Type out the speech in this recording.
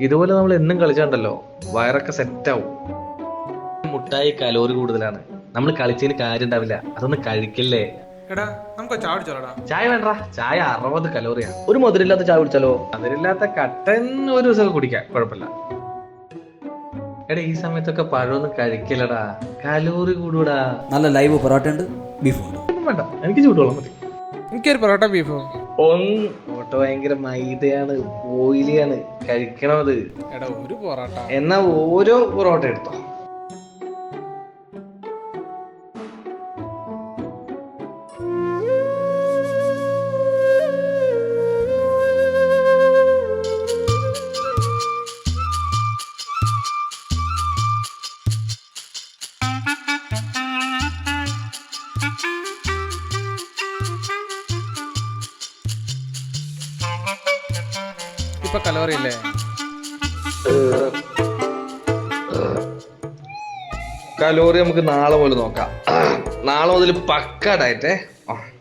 ഇതുപോലെ നമ്മൾ എന്നും കളിച്ചാണ്ടല്ലോ വയറൊക്കെ സെറ്റാവും. മുട്ടായി കലോറി കൂടുതലാണ്, നമ്മൾ കളിച്ചതിന് കാര്യം ഉണ്ടാവില്ല. അതൊന്നും കഴിക്കില്ലേ. എടാ നമുക്ക് ചായ കുടിച്ചാലോടാ. ചായ വേണ്ട, ചായ 60 കലോറിയാണ്. ഒരു മധുരമില്ലാത്ത ചായ കുടിച്ചാലോ? മധുരമില്ലാത്ത കട്ടൻ ഒരു ദിവസം കുടിക്കാം, കുഴപ്പമില്ല. എടാ ഈ സമയത്തൊക്കെ പഴമൊന്നും കഴിക്കില്ലടാ, കലോറി കൂടൂടാ. നല്ല ലൈവ് പൊറോട്ട ഉണ്ട്, ബീഫുണ്ട്. വേണ്ട, എനിക്ക് ചൂടുവെള്ളം മതി. എനിക്കൊരു പൊറോട്ട ബീഫോ. പൊറോട്ട ഭയങ്കര മൈദയാണ്, ഓയിലിയാണ്, കഴിക്കണത്. എടാ ഒരു പൊറോട്ട. എന്നാ ഓരോ പൊറോട്ട എടുത്തോ. ഇപ്പൊ കലോറി അല്ലേ? കലോറി നമുക്ക് നാളെ മുതൽ നോക്കാം. നാളെ മുതൽ പക്ക ഡയറ്റേ.